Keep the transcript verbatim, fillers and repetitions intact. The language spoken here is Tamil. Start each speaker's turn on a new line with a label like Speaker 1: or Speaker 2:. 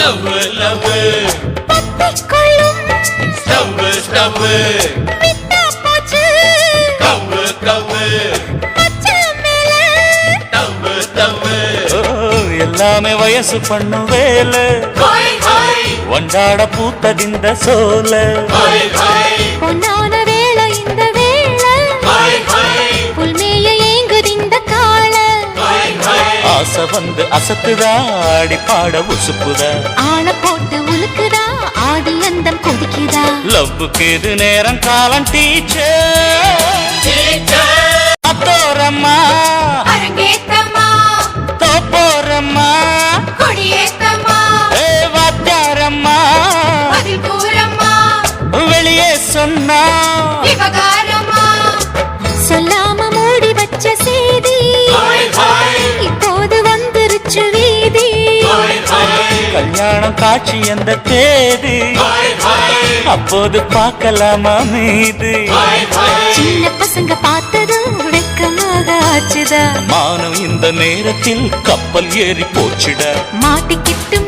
Speaker 1: லவ் லவ்
Speaker 2: பத்திக்கொள்ளும்
Speaker 1: ஸ்டவ் ஸ்டவ்
Speaker 2: விட்டா போச்சு
Speaker 1: கவ்வு கவ்வு
Speaker 2: மச்சான் மேல
Speaker 1: தவ் தவ்
Speaker 3: எல்லாமே வயசு பண்ணு வேல ஒண்டாட பூத்ததிந்த சோல
Speaker 2: பொன்னான வேளை இந்த வேளை புல்மேய ஏங்குதிந்த கால
Speaker 3: ஆசை வந்து அசத்துதா ஆடி பாட உசுப்புதா
Speaker 2: ஆள போட்டு உலுக்குதா ஆதி அந்தம் கொதிக்குதா
Speaker 3: லவ்வுக்கு இது நேரம் காலம் டீச்சர் அத்தோரம்மா
Speaker 2: அரங்கேத்தம்மா
Speaker 3: தோப்போரம்மா
Speaker 2: கொடியேத்தம்மா
Speaker 3: ஏ வாத்தியாரம்மா
Speaker 2: பதில் கூறம்மா
Speaker 3: வெளியே சொன்னா
Speaker 2: விவகாரம்மா சொல்லாம மூடி வச்ச செய்தி இப்போது வந்துருச்சு வீதி
Speaker 3: கல்யாணம் காட்சி எந்த தேதி அப்போது பார்க்கலாமா மீது
Speaker 2: சின்ன பசங்க பார்த்ததும் வெக்கமாக ஆச்சுதா
Speaker 3: மானம் இந்த நேரத்தில் கப்பல் ஏறி போச்சுட
Speaker 2: மாட்டிக்கிட்டு